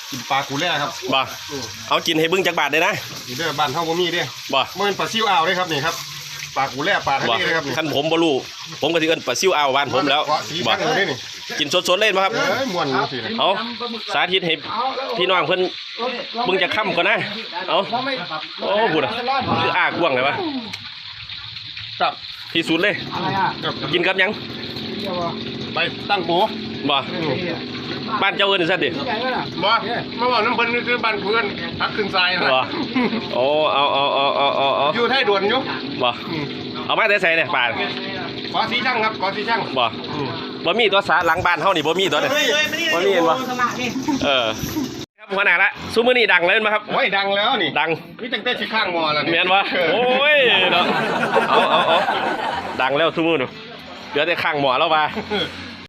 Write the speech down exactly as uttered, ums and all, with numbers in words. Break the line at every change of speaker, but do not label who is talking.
กินปลากูแร่ครับ
บ่เอากินให้เบิ่งจักบาทเลยนะ
นี่เด้อบ้านเฮาบ่มีเด้
บ่
เมื่อปลาซิวอ่าวเลยครับนี่ครับปลากูแร่ปลาทะเลเลยครับ
คันผมบ่รู้ผมก็สิเอิ้นปลาซิวอ่าวบ้านผมแล้ว
บ่
กินสดๆเล่นบ่ครับ
เอ้ยม่วนจังซี่
เอาสาธิตให้พี่น้องเพิ่นเบิ่งจักค่ำก่อนนะเอาโอ้บุญอ่ะคืออ้ากว้างเลยวะ
ครับ
ที่สุดเลยกินกับยัง
ไปตั้งโบ
บ่บ้านเจ้าเอิ้นซั่นดิ
บ่มาบอกน้ำเพิ่นคือบ้านเพื่อนพักขึ้นทรายนะ
บ่โอ้เอาเอาเอาเอาเอาเอา
อยู่ไทยด่วนอยู่
บ่เอามาแต่ใส่เนี่ยป่า
ขอสีช่างครับขอสีช่าง
บ่บ่มีตัวสาหลังบ้านเฮานี่บ่มีตัวเด้บ่มีเห็นบ่เออครับหัวหน้าละซุมื้อนี้ดังเลยมั้ยครับ
โอ้ยดังแล้วนี่
ดัง
มีตั้งแต่สิข้างหม้อแล้วนี่
แม่นบ่โอ้ยเนาะเอาเอาเอาดังแล้วซุมื้อนู้เหลือแต่ข้างหม้อแล้วว่า